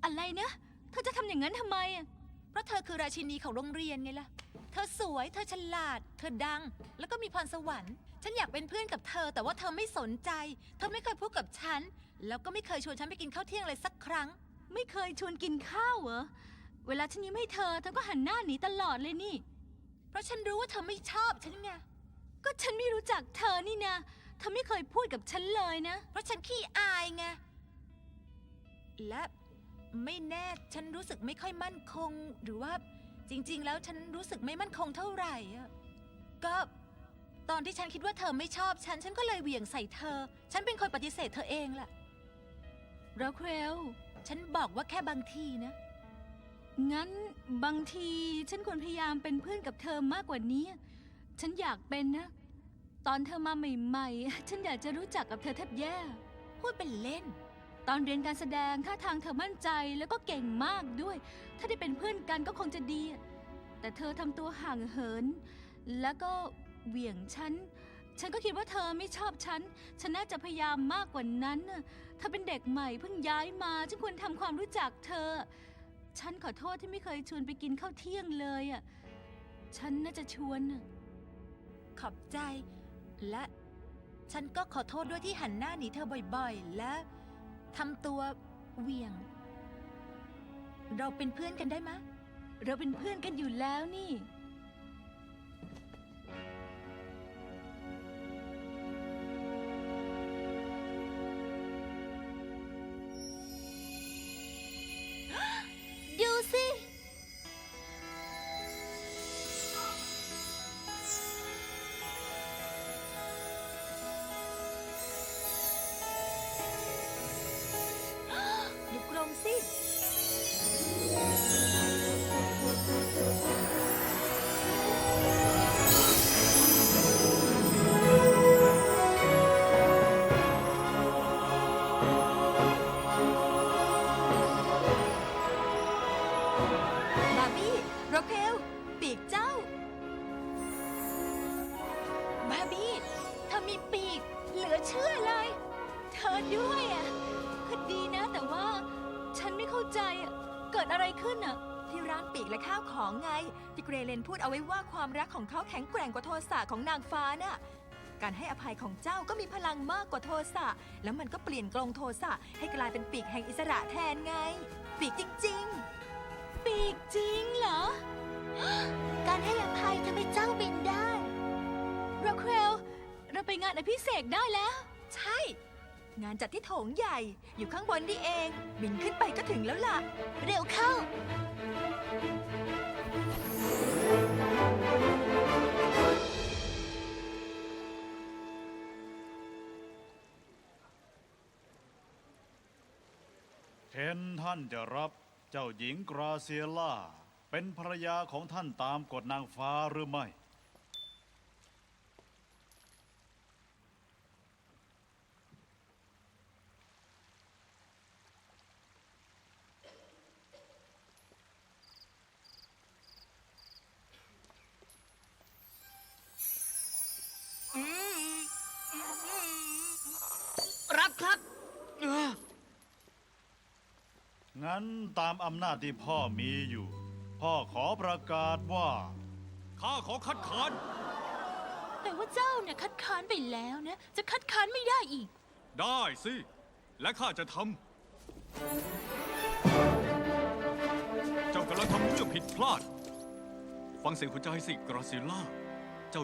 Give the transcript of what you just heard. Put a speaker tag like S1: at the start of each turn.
S1: อะไรนะเธอจะทำอย่างนั้นทำไมอะ
S2: เพราะเธอคือราชินีของโรงเรียนไงล่ะ เธอสวย เธอฉลาด เธอดัง แล้วก็มีพรสวรรค์ ฉันอยากเป็นเพื่อนกับเธอ แต่ว่าเธอไม่สนใจ เธอไม่เคยพูดกับฉัน แล้วก็ไม่เคยชวนฉันไปกินข้าวเที่ยงเลยสักครั้ง
S1: ไม่เคยชวนกินข้าวเหรอเวลาฉันยิ้มให้เธอก็หันหน้าหนีตลอดเลยนี่
S2: เพราะฉันรู้ว่าเธอไม่ชอบฉันไง
S1: ก็ฉันไม่รู้จักเธอนี่นะเธอไม่เคยพูดกับฉันเลยนะ
S2: เพราะฉันขี้อายไง และไม่แน่ฉันรู้สึกไม่ค่อยมั่นคง หรือว่าจริงๆ แล้วฉันรู้สึกไม่มั่นคงเท่าไหร่อะก็ตอนที่ฉันคิดว่าเธอไม่ชอบฉันก็เลยเหวี่ยงใส่เธอ ฉันเป็นคนปฏิเสธเธอเองล่ะ
S1: ราเคล
S2: ฉันบอกว่าแค่บางทีนะ
S1: งั้นบางทีฉันควรพยายามเป็นเพื่อนกับเธอมากกว่านี้ ฉันอยากเป็นนะ ตอนเธอมาใหม่ๆ ฉันอยากจะรู้จักกับเธอแทบแย่
S2: พูดเป็นเล่น
S1: ตอนเรียนการแสดงท่าทางเธอมั่นใจแล้วก็เก่งมากด้วย ถ้าได้เป็นเพื่อนกันก็คงจะดี แต่เธอทำตัวห่างเหิน แล้วก็เหวี่ยงฉันก็คิดว่าเธอไม่ชอบฉันน่าจะพยายามมากกว่านั้นน่ะเธอเป็นเด็กใหม่เพิ่งย้ายมา ฉันควรทำความรู้จักเธอ ฉันขอโทษที่ไม่เคยชวนไปกินข้าวเที่ยงเลยอ่ะ ฉันน่าจะชวนน่ะ
S2: ขอบใจ และฉันก็ขอโทษด้วยที่หันหน้าหนีเธอบ่อยๆ และทำตัวเหวี่ยง เราเป็นเพื่อนกันได้ไหมะ
S1: เราเป็นเพื่อนกันอยู่แล้วนี่
S2: ดูสิ ดูกรงสิ บาร์บี้โรเคลปีกเจ้า บาร์บี้เธอมีปีก เหลือเชื่อเลย
S1: เธอด้วยอ่ะก็ดีนะแต่ว่าฉันไม่เข้าใจอ่ะเกิดอะไรขึ้นอ่ะ
S3: ที่ร้านปีกและข้าวของไง ที่เกรเลนพูดเอาไว้ว่าความรักของเขาแข็งแกร่งกว่าโทสะของนางฟ้าน่ะ การให้อภัยของเจ้าก็มีพลังมากกว่าโทสะแล้วมันก็เปลี่ยนกลงโทสะให้กลายเป็นปีกแห่งอิสระแทนไง ปีกจริง
S1: ปีกจริงเหรอ
S2: การให้อภัยทำให้เจ้าบินได้
S1: ราเคลเราไปงานอภิเษกได้แล้ว
S3: ๆ ใช่ งานจัดที่โถงใหญ่ อยู่ข้างบนนี่เอง บินขึ้นไปก็ถึงแล้วล่ะ
S2: เร็วเข้า
S4: เคนท่านจะรับเจ้าหญิงกราเซียล่าเป็นภรรยาของท่านตามกฎนางฟ้าหรือไม่
S5: รับครับ
S4: งั้นตามอำนาจที่พ่อมีอยู่ พ่อขอประกาศว่า
S5: ข้าขอคัดค้าน
S2: แต่ว่าเจ้าเนี่ยคัดค้านไปแล้วนะ จะคัดค้านไม่ได้อีก
S5: ได้สิ และข้าจะทำ เจ้ากำลังทำเรื่องผิดพลาด ฟังเสียงหัวใจสิ กราซิลล่า